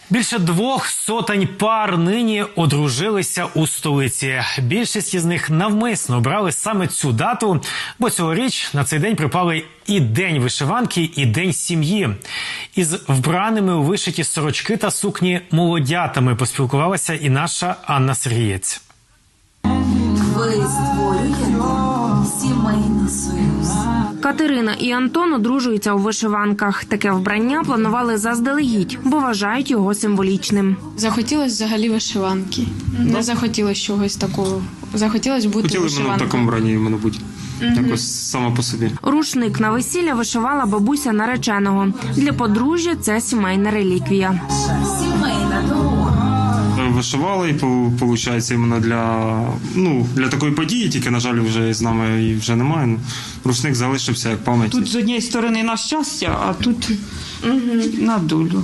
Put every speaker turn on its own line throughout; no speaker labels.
Більше 200 пар нині одружилися у столиці. Більшість із них навмисно обрали саме цю дату, бо цьогоріч на цей день припали і День вишиванки, і День сім'ї. Із вбраними у вишиті сорочки та сукні молодятами поспілкувалася і наша Анна Сергієць.
Ви створюєте сімейний союз.
Катерина і Антон одружуються у вишиванках. Таке вбрання планували заздалегідь, бо вважають його символічним.
Захотілося взагалі вишиванки. Не захотілося чогось такого. Захотілося бути
вишиванкою.
вишиванкою.
Хотіли в такому брані, мабуть, якось само по собі.
Рушник на весілля вишивала бабуся нареченого. Для подружжя це сімейна реліквія.
Сімейна дорога.
Вишивали, і, виходить, іменно для такої події, тільки, на жаль, вже з нами її вже немає. Ну, рушник залишився як пам'ять.
Тут з однієї сторони на щастя, а тут на долю.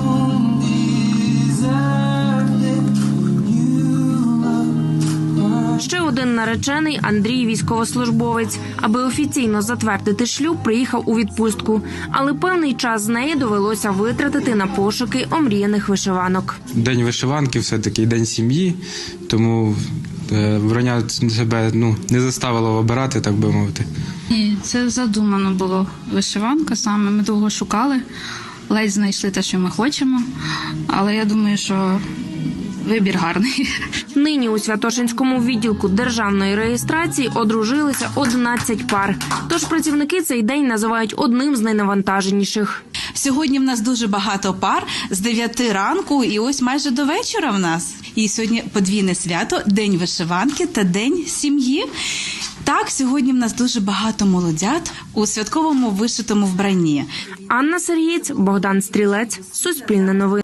Ще один наречений – Андрій, військовослужбовець. Аби офіційно затвердити шлюб, приїхав у відпустку. Але певний час з неї довелося витратити на пошуки омріяних вишиванок.
День вишиванки, все-таки день сім'ї, тому вбрання себе не заставило обирати, так би мовити.
Ні, це задумано було. Вишиванка саме. Ми довго шукали, ледь знайшли те, що ми хочемо. Але я думаю, що вибір гарний.
Нині у Святошинському відділку державної реєстрації одружилися 11 пар. Тож працівники цей день називають одним з найнавантаженіших.
Сьогодні в нас дуже багато пар з 9 ранку і ось майже до вечора в нас. І сьогодні подвійне свято – День вишиванки та День сім'ї. Так, сьогодні в нас дуже багато молодят у святковому вишитому вбранні.
Анна Сергієць, Богдан Стрілець, Суспільне новини.